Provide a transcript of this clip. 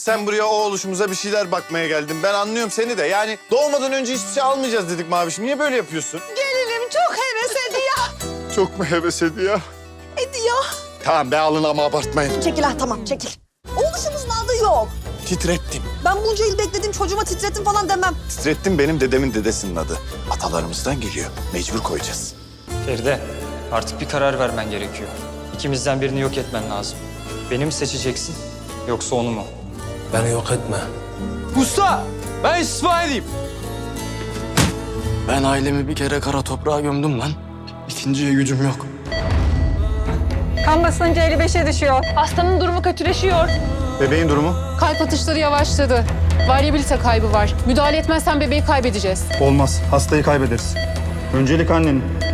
Sen buraya o oluşumuza bir şeyler bakmaya geldin. Ben anlıyorum seni de. Yani doğmadan önce hiçbir şey almayacağız dedik Mavişim. Niye böyle yapıyorsun? Gelinim çok heves ediyor. Çok mu heves ediyor? Ediyor. Tamam be alın ama abartmayın. Çekil ha tamam çekil. Oğluşumuzun adı yok. Titrettim. Ben bunca yıl bekledim çocuğuma titrettim falan demem. Titrettim benim dedemin dedesinin adı. Atalarımızdan geliyor. Mecbur koyacağız. Feride, artık bir karar vermen gerekiyor. İkimizden birini yok etmen lazım. Beni mi seçeceksin yoksa onu mu? Beni yok etme. Usta, ben istifa edeyim. Ben ailemi bir kere kara toprağa gömdüm lan. İkinciye gücüm yok. Kan basıncı 55'e düşüyor. Hastanın durumu kötüleşiyor. Bebeğin durumu? Kalp atışları yavaşladı. Varyabilite kaybı var. Müdahale etmezsen bebeği kaybedeceğiz. Olmaz. Hastayı kaybederiz. Öncelik annenin.